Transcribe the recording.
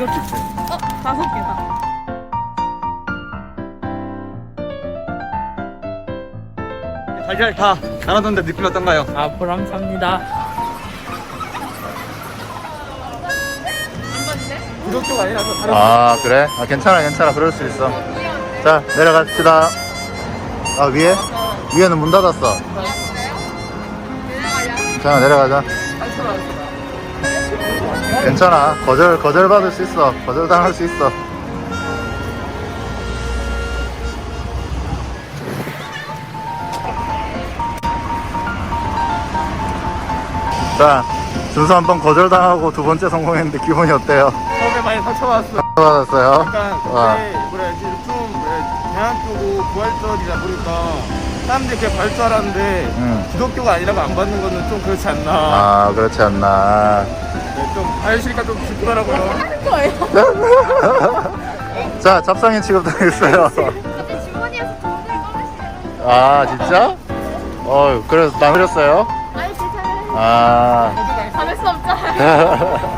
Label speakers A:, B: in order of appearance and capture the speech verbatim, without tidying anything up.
A: 이렇게 있어요.
B: 어? 다섯 개다.
A: 달걀 다 나눠줬는데 느낌 어떤가요?
C: 아, 보람찹니다.
A: 구독자가 아니라서 다른
D: 아 그래? 아 괜찮아 괜찮아 그럴 수 있어. 자 내려갑시다. 아 위에? 위에는 문 닫았어. 괜찮아 내려가자. 괜찮아 거절 거절 받을 수 있어. 거절 당할 수 있어. 자 준수 한 번 거절 당하고 두 번째 성공했는데 기분이 어때요?
A: 처음에 많이 상처받았어.
D: 받았어요?
A: 약간
D: 와.
A: 그때 뭐라 해야지 좀 뭐라 대학교고 부활절이다 보니까 사람들이 그냥 받을 줄 알았는데
D: 응.
A: 기독교가 아니라고 안 받는 거는 좀 그렇지 않나.
D: 아 그렇지 않나.
A: 네, 좀 알시니까 좀 기쁘더라고요.
B: 하는 거예요?
D: 자 잡상인 취급당했어요.
B: 갑자기 주머니에서 돈을 꺼내시는.
D: 아 진짜? 어 그래서 나 그렸어요?
B: 아니 괜찮아요.
D: 아
B: 잡을 수 없잖아요.